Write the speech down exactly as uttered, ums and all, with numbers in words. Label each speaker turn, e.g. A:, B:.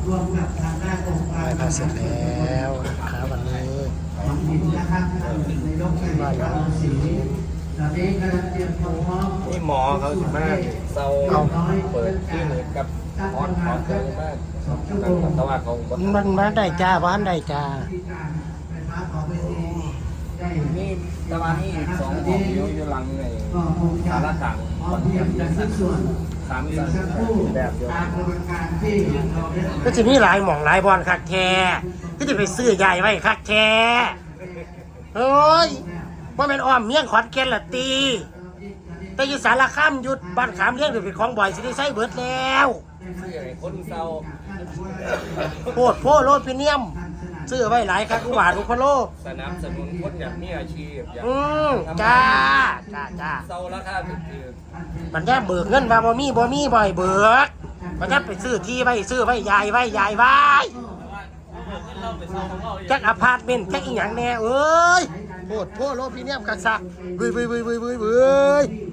A: รวมกับทางด้านองค์การ
B: ไหว้พระเสร็จแล้วนะครับวันนี้
A: ของหินนะครับในยกในบ้านเราสีตอนนี้กำลังเตรียมความพร้อม
C: นี่หมอเขาสิมากเศร้าเปิดที่เหมือนกับฮอตฮอตเลยมากแต่ว่าเขา
B: มันมาได้จ้าบ้านได้จ้า
A: ที่การไฟฟ้าของเวทีได้
C: นี่ตะวันนี่สองของอยู่อยู่หลังไง
A: ก็คงจะ
C: สารต่าง
A: พร้อมเพรียงกันทุกส่วน
C: สาม
A: อี
C: สั
A: ก
C: น
A: สักครู่
C: แบบเดียว
A: ตามกระบวนการที่เราได้
B: ก็จะมีหลายหม่องหลายบอลคักแท้ก็จะไปซื้อใหญ่ไว้คักแท้เฮ้ยว่าเป็นอ้อมเมี่ยงขอนแก่นละตีแต่อยู่สารคามหยุดบ้านขามเลี้ยงหรือเป็นของบ่อยสิได้ใช้เบิดแล้ว
C: ซื้อไอ้คนเศร้า
B: โพดโพโลพิเนียมซื้อไว้หลายคักอุบาทอุปโล
C: สนับสนุนคนอย่างมีอาชีพอย่าง
B: อืมจ้าจ้าจ้า
C: เศร้าราคาถูก
B: มันแค่เบิกเงินว่าบ่มีบ่มีบ่อยเบิกมันแค่ไปซื้อที่ไว้ซื้อไว้ยายไว้ยายไว้จักอพาร์ตเมนต์จักอีหยังแน่เอ้ยโพดโพโลพิเนียมกักซักเว้ยเว้ยเว้ยเว้ยเว้ย